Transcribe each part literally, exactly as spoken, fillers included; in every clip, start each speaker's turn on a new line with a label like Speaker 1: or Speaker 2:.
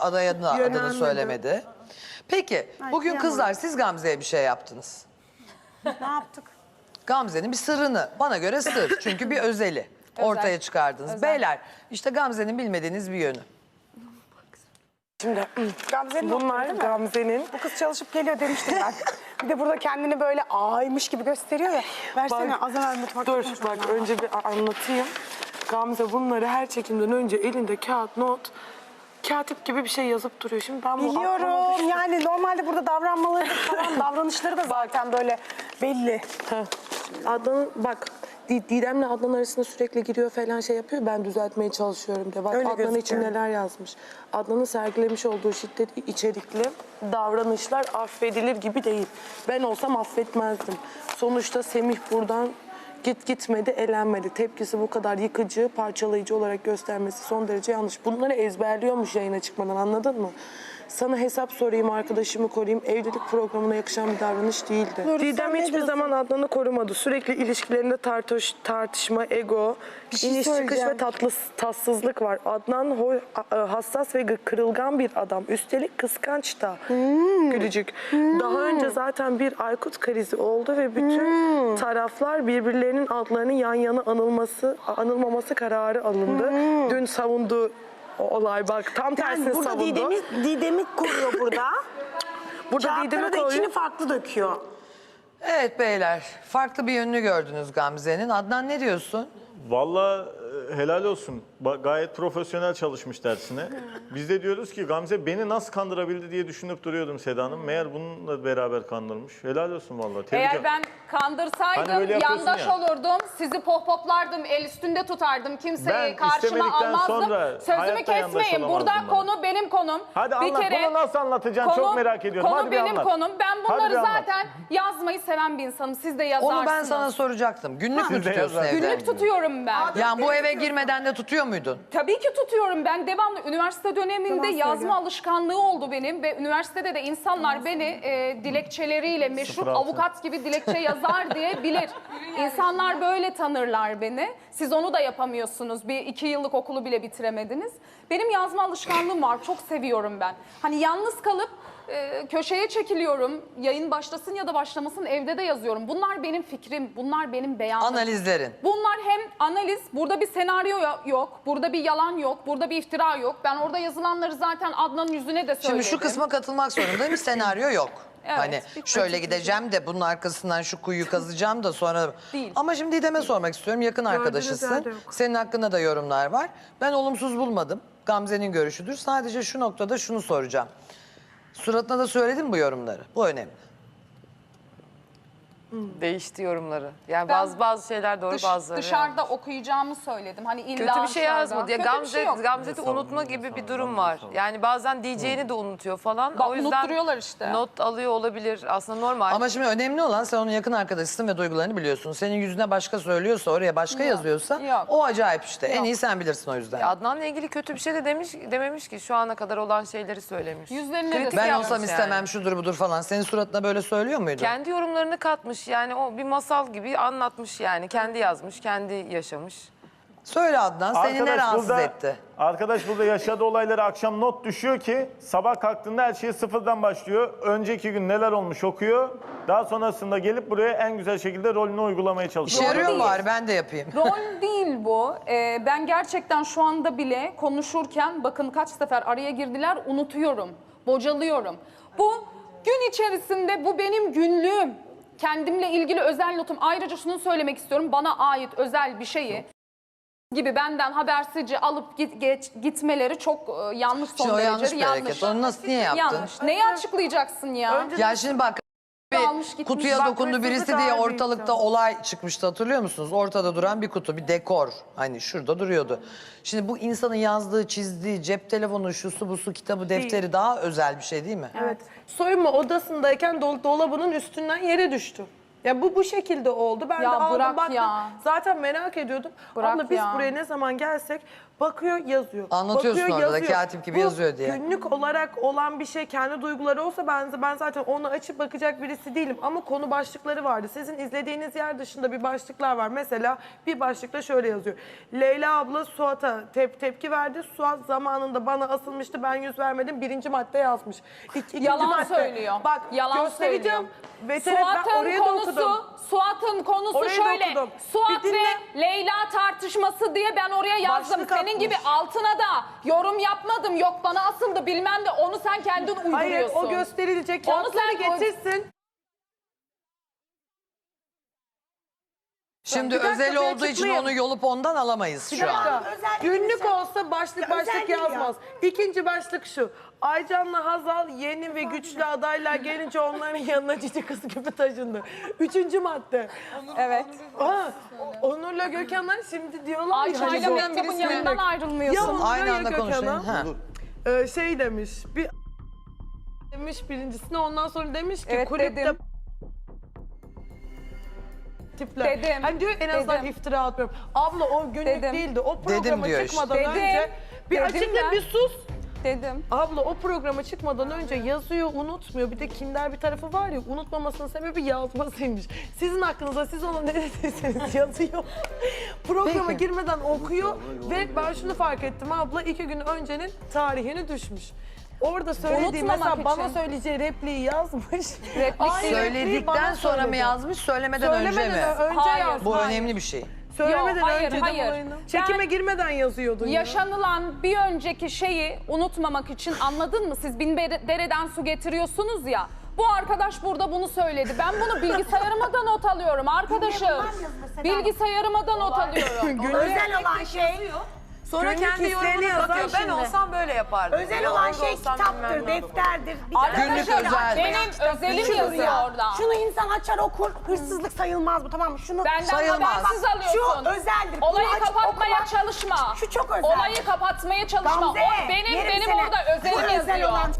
Speaker 1: adaya da adını söylemedi. Peki
Speaker 2: Ay,
Speaker 1: bugün
Speaker 2: kıyamam.
Speaker 1: kızlar siz Gamze'ye bir şey yaptınız.
Speaker 2: Ne yaptık?
Speaker 1: Gamze'nin bir sırrını, bana göre sır çünkü bir özeli ortaya çıkardınız.
Speaker 3: Özel.
Speaker 1: Beyler işte Gamze'nin bilmediğiniz bir yönü.
Speaker 2: Şimdi Gamze'nin
Speaker 4: Bunlar
Speaker 2: notları değil mi?
Speaker 4: Gamze'nin.
Speaker 2: Bu kız çalışıp geliyor demiştim ben. Bir de burada kendini böyle aymış gibi gösteriyor ya. Versene az evvel mutfakta
Speaker 4: Dur
Speaker 2: konuşalım.
Speaker 4: bak önce bir anlatayım. Gamze bunları her çekimden önce elinde kağıt, not, katip gibi bir şey yazıp duruyor. Şimdi ben bu aklıma
Speaker 2: Biliyorum
Speaker 4: düştü.
Speaker 2: yani normalde burada davranmaları da falan davranışları da zaten böyle belli.
Speaker 4: Heh. Adnan bak Di- Didem'le Adnan arasında sürekli giriyor falan şey yapıyor. Ben düzeltmeye çalışıyorum de. Bak
Speaker 2: Öyle
Speaker 4: Adnan için
Speaker 2: gözüküyor.
Speaker 4: neler yazmış. Adnan'ın sergilemiş olduğu şiddet içerikli davranışlar affedilir gibi değil. Ben olsam affetmezdim. Sonuçta Semih buradan git gitmedi, elenmedi. Tepkisi bu kadar yıkıcı, parçalayıcı olarak göstermesi son derece yanlış. Bunları ezberliyormuş yayına çıkmadan, anladın mı? Sana hesap sorayım, arkadaşımı koruyayım. Evlilik programına yakışan bir davranış değildi.
Speaker 2: Nuri, sen
Speaker 4: Didem
Speaker 2: ne
Speaker 4: hiçbir
Speaker 2: diyorsun?
Speaker 4: zaman Adnan'ı korumadı. Sürekli ilişkilerinde tartış, tartışma, ego,
Speaker 2: şey
Speaker 4: iniş çıkış
Speaker 2: söyleyeceğim.
Speaker 4: ve tatlı, tatsızlık var. Adnan ho- a- hassas ve kırılgan bir adam. Üstelik kıskanç da.
Speaker 2: Hmm.
Speaker 4: Gülücük. Daha önce zaten bir Aykut krizi oldu ve bütün
Speaker 2: Hmm.
Speaker 4: taraflar birbirlerinin adlarının yan yana anılması, anılmaması kararı alındı. Dün savunduğu o olay bak tam tersini
Speaker 2: Yani burada
Speaker 4: savundu.
Speaker 2: Didem'i, Didem'i koruyor burada.
Speaker 4: Burada
Speaker 2: Kağıtları
Speaker 4: Didem'i
Speaker 2: da
Speaker 4: koruyor.
Speaker 2: içini farklı döküyor.
Speaker 1: Evet beyler farklı bir yönünü gördünüz Gamze'nin. Adnan ne diyorsun?
Speaker 5: Vallahi e, helal olsun. Ba- gayet profesyonel çalışmış dersine. Biz de diyoruz ki Gamze beni nasıl kandırabildi diye düşünüp duruyordum Seda Hanım. Meğer bununla beraber kandırmış. Helal olsun vallahi. Tebrik
Speaker 3: Eğer
Speaker 5: ederim.
Speaker 3: ben kandırsaydım
Speaker 5: Hani böyle yapıyorsun
Speaker 3: yandaş
Speaker 5: ya.
Speaker 3: olurdum, sizi pohpoplardım, el üstünde tutardım, kimseyi
Speaker 5: Ben
Speaker 3: karşıma
Speaker 5: istemedikten
Speaker 3: almazdım.
Speaker 5: sonra
Speaker 3: Sözümü
Speaker 5: hayatta yandaş
Speaker 3: kesmeyin. Burada
Speaker 5: olamazdım bana.
Speaker 3: konu benim konum.
Speaker 5: Hadi anlat. Bunu nasıl anlatacaksın? Çok merak ediyorum.
Speaker 3: Konu
Speaker 5: Hadi bir
Speaker 3: benim
Speaker 5: anlat.
Speaker 3: konum. Ben
Speaker 5: Hadi
Speaker 3: bunları
Speaker 5: bir anlat.
Speaker 3: zaten yazmayı seven bir insanım. Siz de yazarsınız.
Speaker 1: Onu ben sana soracaktım. Günlük mü
Speaker 5: Siz de
Speaker 1: tutuyorsun
Speaker 5: yazar.
Speaker 1: evde?
Speaker 3: Günlük tutuyorum ben.
Speaker 1: Yani bu eve girmeden de tutuyor muydun?
Speaker 3: Tabii ki tutuyorum. Ben devamlı üniversite döneminde yazma alışkanlığı oldu benim ve üniversitede de insanlar beni e, dilekçeleriyle meşhur
Speaker 5: Sıfır altı.
Speaker 3: avukat gibi dilekçe yazar diye bilir. İnsanlar böyle tanırlar beni. Siz onu da yapamıyorsunuz. Bir iki yıllık okulu bile bitiremediniz. Benim yazma alışkanlığım var. Çok seviyorum ben. Hani yalnız kalıp e, köşeye çekiliyorum. Yayın başlasın ya da başlamasın evde de yazıyorum. Bunlar benim fikrim. Bunlar benim beyanım.
Speaker 1: Analizlerin.
Speaker 3: Bunlar hem analiz, burada bir senaryo yok, burada bir yalan yok, burada bir iftira yok. Ben orada yazılanları zaten Adnan'ın yüzüne de söyledim.
Speaker 1: Şimdi şu kısma katılmak zorundayım. Senaryo yok.
Speaker 3: Evet,
Speaker 1: hani
Speaker 3: bir
Speaker 1: şöyle
Speaker 3: pratik
Speaker 1: gideceğim de bunun arkasından şu kuyuyu kazacağım da sonra...
Speaker 3: Değil.
Speaker 1: Ama şimdi Didem'e sormak istiyorum. Yakın arkadaşısın.
Speaker 4: yerde yok.
Speaker 1: Senin hakkında da yorumlar var. Ben olumsuz bulmadım. Gamze'nin görüşüdür. Sadece şu noktada şunu soracağım. Suratına da söyledim bu yorumları. Bu önemli.
Speaker 6: Değişti yorumları. Yani
Speaker 3: Ben
Speaker 6: bazı bazı şeyler doğru,
Speaker 3: Dış-
Speaker 6: bazıları
Speaker 3: dışarıda
Speaker 6: yanlış.
Speaker 3: okuyacağımı söyledim. Hani illa
Speaker 6: Kötü bir şey
Speaker 3: dışarıda.
Speaker 6: yazmadı. Ya
Speaker 3: Kötü bir
Speaker 6: Gamze,
Speaker 3: şey yok.
Speaker 6: Gamze'de unutma gibi bir durum var. Yani bazen diyeceğini de unutuyor falan.
Speaker 3: Bak,
Speaker 6: o yüzden
Speaker 3: unutturuyorlar işte.
Speaker 6: not alıyor olabilir. Aslında normal.
Speaker 1: Ama şimdi önemli olan sen onun yakın arkadaşısın ve duygularını biliyorsun. Senin yüzüne başka söylüyorsa, oraya başka yazıyorsa
Speaker 3: yok.
Speaker 1: o acayip işte. En
Speaker 3: Yok.
Speaker 1: iyi sen bilirsin o yüzden.
Speaker 6: Ya Adnan'la ilgili kötü bir şey de demiş dememiş ki, şu ana kadar olan şeyleri söylemiş.
Speaker 3: Yüzlerine de
Speaker 6: Kritik
Speaker 1: Ben
Speaker 6: yapmış
Speaker 1: olsam
Speaker 6: yani.
Speaker 1: istemem şudur budur falan. Senin suratına böyle söylüyor muydu?
Speaker 6: Kendi yorumlarını katmış. Yani o bir masal gibi anlatmış yani. Kendi yazmış, kendi yaşamış.
Speaker 1: Söyle Adnan seni ne rahatsız
Speaker 5: burada,
Speaker 1: etti?
Speaker 5: Arkadaş burada yaşadığı olayları akşam not düşüyor ki sabah kalktığında her şey sıfırdan başlıyor. Önceki gün neler olmuş okuyor. Daha sonrasında gelip buraya en güzel şekilde rolünü uygulamaya
Speaker 1: İşe
Speaker 5: çalışıyor.
Speaker 1: yarıyor mu
Speaker 3: değil.
Speaker 1: bari ben de yapayım.
Speaker 3: Rol değil bu. Ee, ben gerçekten şu anda bile konuşurken bakın kaç sefer araya girdiler unutuyorum, bocalıyorum. Bu gün içerisinde bu benim günlüğüm. Kendimle ilgili özel notum. Ayrıca şunu söylemek istiyorum. Bana ait özel bir şeyi gibi benden habersizce alıp git, geç, gitmeleri çok e, yanlış, son
Speaker 1: Şimdi o yanlış
Speaker 3: derece
Speaker 1: bir
Speaker 3: yanlış.
Speaker 1: hareket. Onu nasıl niye yaptın?
Speaker 3: Yanlış. Neyi açıklayacaksın ya?
Speaker 1: Ya şimdi bak
Speaker 3: Almış
Speaker 1: bir
Speaker 3: gitmiş.
Speaker 1: kutuya
Speaker 3: Bak,
Speaker 1: dokundu
Speaker 4: hırsızlık
Speaker 1: birisi diye
Speaker 4: ağır bir
Speaker 1: ortalıkta
Speaker 4: iftira.
Speaker 1: olay çıkmıştı hatırlıyor musunuz? Ortada duran bir kutu, bir dekor. Hani şurada duruyordu. Şimdi bu insanın yazdığı, çizdiği, cep telefonu, şusu busu, kitabı, defteri daha özel bir şey değil mi?
Speaker 4: Evet. Soyunma odasındayken dol- dolabının üstünden yere düştü. Ya bu bu şekilde oldu. Ben
Speaker 3: Ya
Speaker 4: de aldım
Speaker 3: bırak
Speaker 4: baktım.
Speaker 3: ya.
Speaker 4: Zaten merak ediyordum.
Speaker 3: Bırak
Speaker 4: Abla biz
Speaker 3: ya.
Speaker 4: buraya ne zaman gelsek Bakıyor, yazıyor.
Speaker 1: Anlatıyorsun
Speaker 4: Bakıyor,
Speaker 1: orada da
Speaker 4: yazıyor.
Speaker 1: katip gibi
Speaker 4: Bu
Speaker 1: yazıyor diye.
Speaker 4: günlük olarak olan bir şey, kendi duyguları olsa ben, ben zaten onu açıp bakacak birisi değilim. Ama konu başlıkları vardı. Sizin izlediğiniz yer dışında bir başlıklar var. Mesela bir başlıkta şöyle yazıyor. Leyla abla Suat'a tep tepki verdi. Suat zamanında bana asılmıştı, ben yüz vermedim. Birinci madde yazmış. İk, ikinci
Speaker 3: Yalan
Speaker 4: madde.
Speaker 3: söylüyor.
Speaker 4: Bak
Speaker 3: Yalan
Speaker 4: göstereceğim.
Speaker 3: söylüyor.
Speaker 4: Veteriner, ben
Speaker 3: Suat'ın
Speaker 4: oraya da okudum.
Speaker 3: konusu, Suat'ın konusu
Speaker 4: Orayı da
Speaker 3: şöyle.
Speaker 4: okudum.
Speaker 3: Suat
Speaker 4: Bir dinle.
Speaker 3: ve Leyla tartışması diye ben oraya yazdım.
Speaker 4: Başlık
Speaker 3: Senin
Speaker 4: atmış.
Speaker 3: gibi altına da yorum yapmadım. Yok bana asıldı bilmem de onu sen kendin uyduruyorsun.
Speaker 4: Hayır, o gösterilecek.
Speaker 3: Onu
Speaker 4: Kağıtları
Speaker 3: sen-
Speaker 4: getirsin.
Speaker 1: Şimdi
Speaker 4: Bir dakika,
Speaker 1: özel
Speaker 4: bir
Speaker 1: olduğu için
Speaker 4: açıklayayım.
Speaker 1: onu yolup ondan alamayız
Speaker 4: Bir
Speaker 1: şu an.
Speaker 4: dakika. Günlük olsa başlık başlık
Speaker 2: özel değil ya.
Speaker 4: yazmaz. İkinci başlık şu. Aycan'la Hazal yeni ve güçlü adaylar gelince onların yanına cici kız gibi taşındı. Üçüncü madde.
Speaker 3: Evet.
Speaker 4: Ha, Onur'la Gökhan'lar şimdi diyorlar ya.
Speaker 3: Ayça'yla
Speaker 4: hani bu-
Speaker 3: Mehtap'ın yanından
Speaker 4: Ya
Speaker 3: ayrılmıyorsun.
Speaker 4: Onur'la
Speaker 1: Aynı
Speaker 4: ya
Speaker 1: anda konuşayım.
Speaker 4: Gökhan'a
Speaker 1: Ha.
Speaker 4: e, şey demiş. Bir demiş birincisine, ondan sonra demiş ki
Speaker 3: Evet,
Speaker 4: kulüpte
Speaker 3: dedim.
Speaker 4: tipler.
Speaker 3: Dedim,
Speaker 4: Hani diyor en azından
Speaker 3: dedim.
Speaker 4: iftira atmıyorum. Abla o günlük
Speaker 3: Dedim.
Speaker 4: değildi. O programa
Speaker 1: Dedim diyor
Speaker 4: çıkmadan
Speaker 3: işte.
Speaker 4: önce
Speaker 3: Dedim.
Speaker 4: bir
Speaker 3: Dedim
Speaker 4: açıkla
Speaker 3: ben.
Speaker 4: bir sus.
Speaker 3: Dedim.
Speaker 4: Abla o programa çıkmadan önce yazıyor, unutmuyor. Bir de kinder bir tarafı var ya, unutmamasının sebebi yazmasıymış. Sizin hakkınızda siz ona ne dediyseniz yazıyor. Programa
Speaker 1: Peki.
Speaker 4: girmeden okuyor ve ben şunu fark ettim abla, iki gün öncenin tarihini düşmüş. Orada söylediği
Speaker 3: Unutmamak
Speaker 4: mesela bana
Speaker 3: için.
Speaker 4: söyleyeceği repliği yazmış.
Speaker 3: Replik
Speaker 4: Aynı repliği
Speaker 1: Söyledikten
Speaker 4: bana
Speaker 1: sonra mı
Speaker 4: söyledi.
Speaker 1: yazmış, söylemeden önce
Speaker 4: Söylemeden
Speaker 1: mi?
Speaker 4: önce
Speaker 3: Hayır.
Speaker 4: yazmış.
Speaker 1: Bu
Speaker 3: Hayır.
Speaker 1: önemli bir şey.
Speaker 4: Söylemeden
Speaker 3: Yok, hayır,
Speaker 4: önce de
Speaker 3: hayır.
Speaker 4: olayını. Çekime
Speaker 3: Ben-
Speaker 4: girmeden yazıyordun ya.
Speaker 3: Yaşanılan bir önceki şeyi unutmamak için anladın mı? Siz bin bere- dereden su getiriyorsunuz ya. Bu arkadaş burada bunu söyledi. Ben bunu bilgisayarıma da not alıyorum arkadaşım. Bilgisayarıma da not alıyorum.
Speaker 2: Özel olan şey,
Speaker 6: Sonra
Speaker 4: Günlük
Speaker 6: kendi
Speaker 4: hislerini
Speaker 6: yorumunu
Speaker 4: yazar
Speaker 6: katıyor. Ben
Speaker 4: şimdi.
Speaker 6: olsam böyle yapardım.
Speaker 2: özel
Speaker 6: Ya
Speaker 2: olan
Speaker 6: orada
Speaker 2: şey
Speaker 6: olsam
Speaker 2: kitaptır,
Speaker 6: bilmem ne.
Speaker 2: defterdir. Bir
Speaker 1: Günlük
Speaker 2: tane
Speaker 1: özel.
Speaker 3: Benim özelim
Speaker 2: Şunu
Speaker 3: yazıyor
Speaker 2: ya,
Speaker 3: orada.
Speaker 2: Şunu insan açar okur, hırsızlık sayılmaz bu, tamam mı? Şunu
Speaker 3: Benden
Speaker 1: Sayılmaz.
Speaker 3: habersiz alıyorsun.
Speaker 2: Şu özeldir. Bunu
Speaker 3: Olayı
Speaker 2: açıp
Speaker 3: kapatmaya
Speaker 2: okumak-
Speaker 3: çalışma.
Speaker 2: Şu çok özel.
Speaker 3: Olayı kapatmaya çalışma.
Speaker 2: Gamze,
Speaker 3: O benim
Speaker 2: yerim
Speaker 3: benim
Speaker 2: seni.
Speaker 3: orada
Speaker 2: Bu
Speaker 3: özelim
Speaker 2: özel
Speaker 3: yazıyor.
Speaker 2: olan-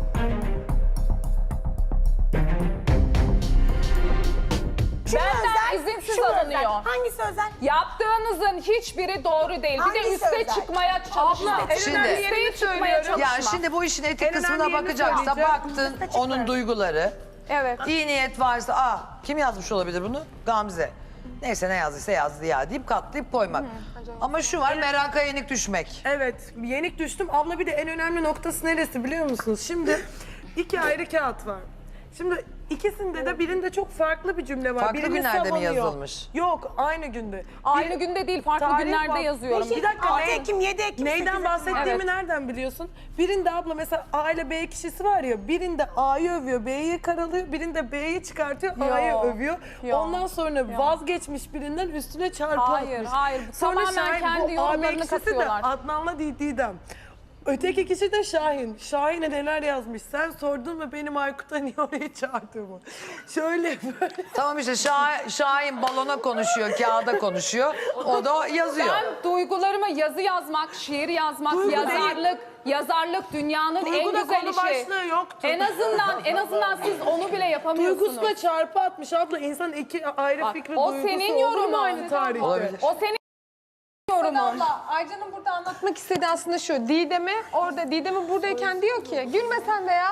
Speaker 2: Şu
Speaker 3: Benden
Speaker 2: özel,
Speaker 3: izinsiz
Speaker 2: şu
Speaker 3: alınıyor.
Speaker 2: özel. Hangisi özel?
Speaker 3: Yaptığınızın hiçbiri doğru değil. Bir de
Speaker 2: Hangisi
Speaker 3: üste
Speaker 2: özel?
Speaker 3: çıkmaya çalışma.
Speaker 4: en
Speaker 1: Şimdi-
Speaker 4: önemli
Speaker 3: Üste
Speaker 4: yerini
Speaker 3: çıkmaya
Speaker 4: söylüyorum.
Speaker 1: Ya
Speaker 3: çalışma.
Speaker 1: şimdi bu işin etik
Speaker 4: En
Speaker 1: kısmına
Speaker 4: önemli yerini
Speaker 1: bakacaksa
Speaker 4: söyleyeceğim.
Speaker 1: baktın onun duyguları.
Speaker 3: Evet.
Speaker 1: İyi niyet varsa, aa kim yazmış olabilir bunu? Gamze. Neyse ne yazdıysa yazdı ya deyip katlayıp koymak. Ama şu var, meraka yenik düşmek.
Speaker 4: Evet, yenik düştüm. Abla bir de en önemli noktası neresi biliyor musunuz? Şimdi iki ayrı kağıt var. Şimdi ikisinde de birinde çok farklı bir cümle var.
Speaker 1: Farklı
Speaker 4: Birini
Speaker 1: günlerde mi
Speaker 4: savunuyor.
Speaker 1: yazılmış?
Speaker 4: Yok, aynı günde.
Speaker 3: Aynı
Speaker 4: Bir-
Speaker 3: günde değil, farklı
Speaker 4: Tarih
Speaker 3: günlerde
Speaker 4: var.
Speaker 3: yazıyorum.
Speaker 4: Bir dakika,
Speaker 2: altı
Speaker 4: ne-
Speaker 2: Ekim, yedi Ekim, sekiz
Speaker 4: Neyden
Speaker 2: Ekim.
Speaker 4: bahsettiğimi
Speaker 3: Evet.
Speaker 4: nereden biliyorsun? Birinde abla mesela A ile B kişisi var ya, birinde A'yı övüyor, B'yi karalıyor, birinde B'yi çıkartıyor, A'yı
Speaker 3: Yo,
Speaker 4: övüyor.
Speaker 3: yo,
Speaker 4: Ondan sonra vazgeçmiş birinden üstüne çarpı
Speaker 3: Hayır,
Speaker 4: atmış.
Speaker 3: hayır.
Speaker 4: Sonra
Speaker 3: Tamamen
Speaker 4: Şahin,
Speaker 3: kendi
Speaker 4: bu A, B
Speaker 3: yorumlarını
Speaker 4: kişisi de
Speaker 3: katıyorlar.
Speaker 4: Adnan'la Di- Didem. Öteki kişi de Şahin. Şahin'e neler yazmış? Sen sordun mu benim Aykut'a niye oraya çağırdığımı? Şöyle böyle.
Speaker 1: Tamam işte Şah- Şahin balona konuşuyor, kağıda konuşuyor. O da yazıyor.
Speaker 3: Ben duygularıma yazı yazmak, şiir yazmak,
Speaker 4: Duygu
Speaker 3: yazarlık, yazarlık dünyanın
Speaker 4: Duyguda
Speaker 3: en güzel
Speaker 4: konu
Speaker 3: işi.
Speaker 4: başlığı yoktu.
Speaker 3: En azından en azından siz onu bile yapamıyorsunuz.
Speaker 4: Duygusuna çarpı atmış abla. İnsan iki ayrı
Speaker 3: Bak,
Speaker 4: fikri
Speaker 3: o
Speaker 4: duygusu
Speaker 3: senin
Speaker 4: olur mu
Speaker 3: yorumun.
Speaker 4: aynı tarihte?
Speaker 1: Olabilir.
Speaker 3: O senin yorumun.
Speaker 7: Abla, Aycan'ın burada anlatmak istediği aslında şu. Didem'e orada, Didem'e buradayken diyor ki gülme sen de ya.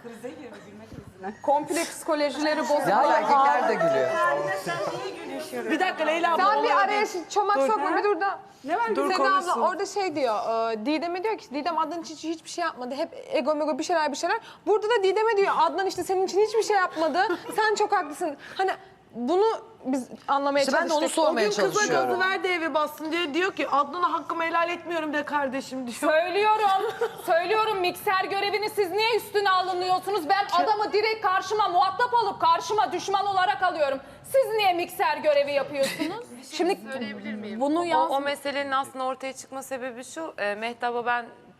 Speaker 3: Komple psikolojileri bozuluyor.
Speaker 1: Ya erkekler de gülüyor.
Speaker 4: Bir dakika Leyla abla.
Speaker 7: Sen bir
Speaker 4: olay
Speaker 7: araya
Speaker 4: değil.
Speaker 7: çomak
Speaker 4: Dur.
Speaker 7: sokma bir dur da. Ne var
Speaker 4: Dur,
Speaker 7: Seda
Speaker 4: konuşsun.
Speaker 7: abla orada şey diyor. E, Didem'e diyor ki Didem Adnan için hiç, hiçbir şey yapmadı. Hep ego mego bir şeyler bir şeyler. Burada da Didem'e diyor Adnan işte senin için hiçbir şey yapmadı. Sen çok haklısın. Hani bunu biz anlamaya
Speaker 1: İşte ben de onu
Speaker 7: çalıştık.
Speaker 4: O
Speaker 1: sormaya
Speaker 4: gün kıza
Speaker 1: çalışıyorum.
Speaker 4: gazı ver de evi bassın diye diyor ki Adnan'a hakkımı helal etmiyorum de kardeşim diyor.
Speaker 3: Söylüyorum, söylüyorum mikser görevini siz niye üstüne alınıyorsunuz? Ben adamı direkt karşıma muhatap alıp karşıma düşman olarak alıyorum. Siz niye mikser görevi yapıyorsunuz? Şimdi bunu
Speaker 6: O,
Speaker 3: yaz.
Speaker 6: o meselenin aslında ortaya çıkma sebebi şu. E, Mehtap'a ben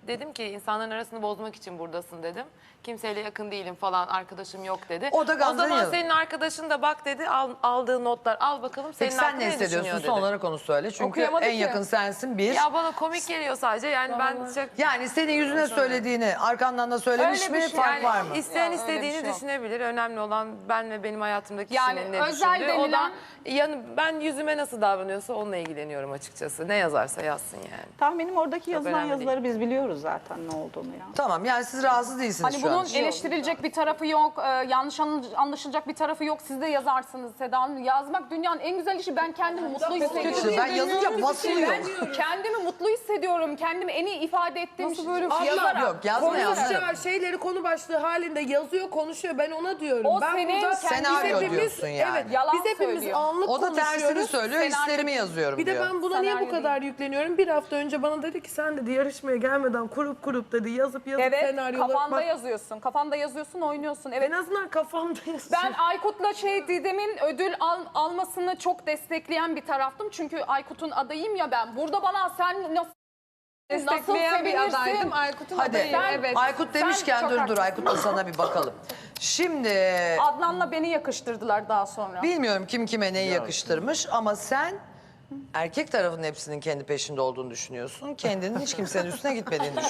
Speaker 6: dedim ki insanların arasını bozmak için buradasın dedim. Kimseyle yakın değilim falan, arkadaşım yok dedi.
Speaker 1: O da Gamze'nin
Speaker 6: zaman
Speaker 1: yanı.
Speaker 6: senin arkadaşın da bak dedi, al, aldığı notlar al bakalım senin
Speaker 1: Peki sen
Speaker 6: hakkında
Speaker 1: ne
Speaker 6: ne
Speaker 1: hissediyorsun?
Speaker 6: düşünüyor dedi.
Speaker 1: Son olarak onu söyle. Çünkü
Speaker 3: Okuyamadı
Speaker 1: en
Speaker 3: ki.
Speaker 1: yakın sensin bir.
Speaker 6: Ya bana komik geliyor sadece yani ben çok...
Speaker 1: Yani senin yüzüne söylediğini arkandan da söylemiş
Speaker 3: Öyle bir
Speaker 1: mi?
Speaker 3: şey.
Speaker 1: Fark
Speaker 6: Yani
Speaker 1: var mı?
Speaker 6: isteyen
Speaker 3: Yok, öyle bir
Speaker 6: istediğini
Speaker 3: şey yok.
Speaker 6: düşünebilir. Önemli olan ben ve benim hayatımdaki
Speaker 3: Yani
Speaker 6: kişinin ne
Speaker 3: özel
Speaker 6: düşündüğü. O da
Speaker 3: denilen-
Speaker 6: yani ben yüzüme nasıl davranıyorsa onunla ilgileniyorum açıkçası. Ne yazarsa yazsın yani.
Speaker 8: Tahminim oradaki yazılan
Speaker 6: önemli
Speaker 8: yazıları biz biliyoruz zaten ne olduğunu ya.
Speaker 1: Tamam yani siz rahatsız değilsiniz
Speaker 3: Hani
Speaker 1: şu
Speaker 3: bunun
Speaker 1: an.
Speaker 3: eleştirilecek bir tarafı yok, e, yanlış anlı- anlaşılacak bir tarafı yok. Siz de yazarsınız Seda Hanım. Yazmak dünyanın en güzel işi. Ben kendimi mutlu hissediyorum.
Speaker 1: İşte ben yazınca basılıyor.
Speaker 3: Kendimi mutlu hissediyorum. Kendimi en iyi ifade ettiğim Nasıl böyle
Speaker 1: şey?
Speaker 3: yazarak.
Speaker 1: Yok yazma yazma.
Speaker 9: Konuşacağı şeyleri konu başlığı halinde yazıyor, konuşuyor. Ben ona diyorum.
Speaker 3: O
Speaker 9: ben
Speaker 3: senin
Speaker 9: burada
Speaker 3: kendi-
Speaker 1: Senaryo
Speaker 9: hepimiz-
Speaker 1: diyorsun yani.
Speaker 9: Evet,
Speaker 3: Yalan
Speaker 9: biz hepimiz
Speaker 3: söylüyor.
Speaker 9: anlık
Speaker 1: O da tersini
Speaker 9: konuşuyoruz.
Speaker 1: söylüyor,
Speaker 3: Senaryo-
Speaker 1: hislerimi yazıyorum
Speaker 9: Bir de
Speaker 1: diyor.
Speaker 9: ben buna niye bu
Speaker 3: Senaryo
Speaker 9: kadar yükleniyorum? Bir hafta önce bana dedi ki sen dedi yarışmaya gelmeden kurup kurup dedi yazıp yazıp
Speaker 3: Evet,
Speaker 9: senaryoları...
Speaker 3: kafanda
Speaker 9: Bak,
Speaker 3: yazıyorsun. Kafanda yazıyorsun, oynuyorsun. Evet.
Speaker 9: en azından kafamda yazıyor.
Speaker 3: Ben Aykut'la şey Didem'in ödül al- almasını çok destekleyen bir taraftım. Çünkü Aykut'un adayım ya ben. Burada bana sen nasıl
Speaker 7: Destekleyen bir
Speaker 3: sevinirsin?
Speaker 7: adaydım. Aykut'un
Speaker 1: Hadi
Speaker 7: adayı. Evet.
Speaker 1: Aykut demişken
Speaker 3: çok
Speaker 1: dur dur
Speaker 3: haklısın.
Speaker 1: Aykut'la sana bir bakalım. Şimdi
Speaker 3: Adnan'la beni yakıştırdılar daha sonra.
Speaker 1: bilmiyorum kim kime neyi yakıştırmış ama sen erkek tarafının hepsinin kendi peşinde olduğunu düşünüyorsun. Kendinin hiç kimsenin üstüne gitmediğini düşünüyorsun.